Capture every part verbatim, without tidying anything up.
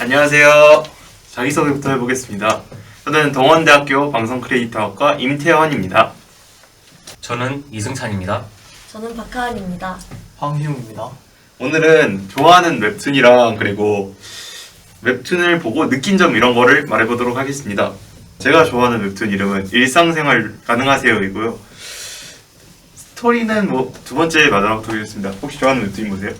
안녕하세요. 자기소개부터 해보겠습니다. 저는 동원대학교 방송크리에이터학과 임태원입니다. 저는 이승찬입니다. 저는 박하은입니다. 황희웅입니다. 오늘은 좋아하는 웹툰이랑 그리고 웹툰을 보고 느낀 점 이런 거를 말해보도록 하겠습니다. 제가 좋아하는 웹툰 이름은 일상생활 가능하세요이고요. 스토리는 뭐 두 번째 마지막 하겠습니다. 혹시 좋아하는 웹툰 뭐세요?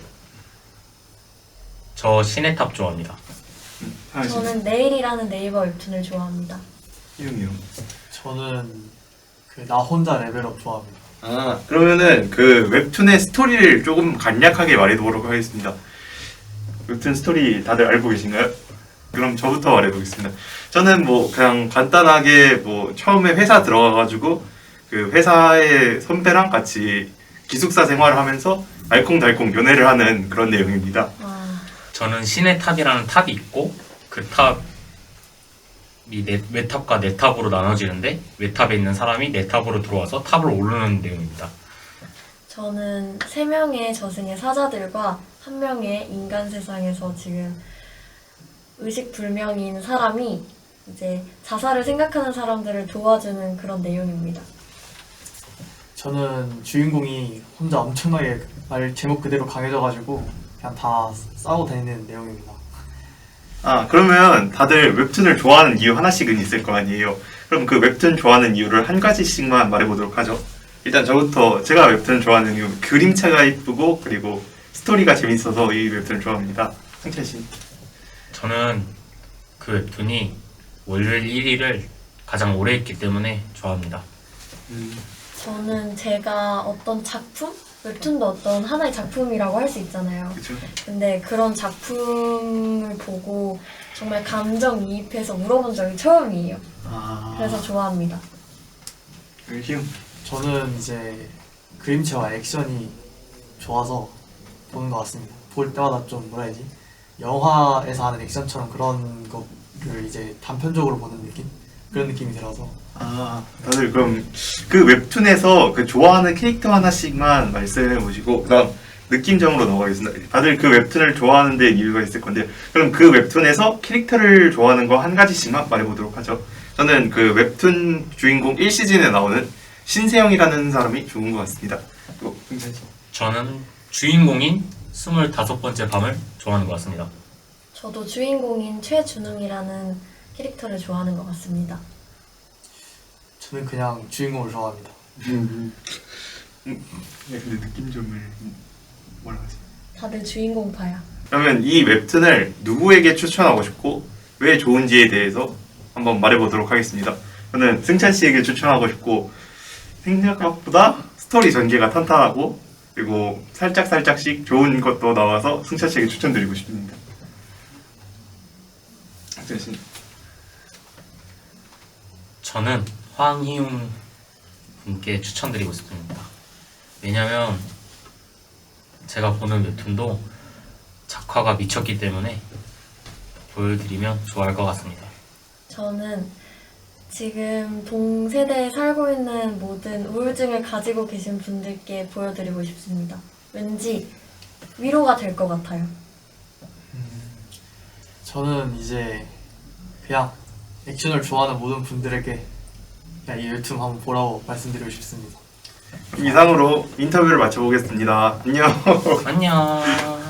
저 신의탑 좋아합니다. 음, 저는 내일이라는 네이버 웹툰을 좋아합니다. 이름이요. 저는 그 나 혼자 레벨업 좋아합니다. 아, 그러면은 그 웹툰의 스토리를 조금 간략하게 말해보도록 하겠습니다. 웹툰 스토리 다들 알고 계신가요? 그럼 저부터 말해보겠습니다. 저는 뭐 그냥 간단하게 뭐 처음에 회사 들어가가지고 그 회사의 선배랑 같이 기숙사 생활을 하면서 알콩달콩 연애를 하는 그런 내용입니다. 아, 저는 신의탑이라는 탑이 있고 그 탑이 네, 외탑과 내탑으로 나눠지는데 외탑에 있는 사람이 내탑으로 들어와서 탑을 오르는 내용입니다. 저는 세 명의 저승의 사자들과 한 명의 인간 세상에서 지금 의식불명인 사람이 이제 자살을 생각하는 사람들을 도와주는 그런 내용입니다. 저는 주인공이 혼자 엄청나게 말 제목 그대로 강해져가지고 그냥 다 싸우고 다니는 내용입니다. 아, 그러면 다들 웹툰을 좋아하는 이유 하나씩은 있을 거 아니에요. 그럼 그 웹툰 좋아하는 이유를 한 가지씩만 말해보도록 하죠. 일단 저부터 제가 웹툰 좋아하는 이유, 그림체가 이쁘고 그리고 스토리가 재밌어서 이 웹툰을 좋아합니다. 승찬 씨. 저는 그 웹툰이 월요일 일 위를 가장 오래 했기 때문에 좋아합니다. 음, 저는 제가 어떤 작품? 웹툰도 어떤 하나의 작품이라고 할 수 있잖아요. 그렇죠. 근데 그런 작품을 보고 정말 감정이입해서 울어본 적이 처음이에요. 아, 그래서 좋아합니다. 희웅. 저는 이제 그림체와 액션이 좋아서 보는 것 같습니다. 볼 때마다 좀 뭐라 해야지? 영화에서 하는 액션처럼 그런 거를 이제 단편적으로 보는 느낌? 그런 느낌이 들어서 아, 다들 그럼 그 웹툰에서 그 좋아하는 캐릭터 하나씩만 말씀해 보시고 그다음 느낌적으로 넘어가겠습니다. 다들 그 웹툰을 좋아하는 데 이유가 있을 건데 그럼 그 웹툰에서 캐릭터를 좋아하는 거 한 가지씩만 말해보도록 하죠. 저는 그 웹툰 주인공 일 시즌에 나오는 신세영이라는 사람이 좋은 것 같습니다. 또 승찬 씨. 저는 주인공인 스물다섯 번째 밤을 좋아하는 것 같습니다. 저도 주인공인 최준웅이라는 캐릭터를 좋아하는 것 같습니다. 저는 그냥 주인공을 좋아합니다. 음, 음, 네, 근데 느낌점을 뭐라 하지? 다들 주인공파야. 그러면 이 웹툰을 누구에게 추천하고 싶고 왜 좋은지에 대해서 한번 말해보도록 하겠습니다. 저는 승찬 씨에게 추천하고 싶고 생각보다 스토리 전개가 탄탄하고 그리고 살짝 살짝씩 좋은 것도 나와서 승찬 씨에게 추천드리고 싶습니다. 승찬 씨. 저는 황희웅 분께 추천드리고 싶습니다. 왜냐면 제가 보는 웹툰도 작화가 미쳤기 때문에 보여드리면 좋아할 것 같습니다. 저는 지금 동세대에 살고 있는 모든 우울증을 가지고 계신 분들께 보여드리고 싶습니다. 왠지 위로가 될 것 같아요. 저는 이제 그냥 액션을 좋아하는 모든 분들에게 그냥 이 웹툰 한번 보라고 말씀드리고 싶습니다. 이상으로 인터뷰를 마쳐보겠습니다. 안녕. 안녕.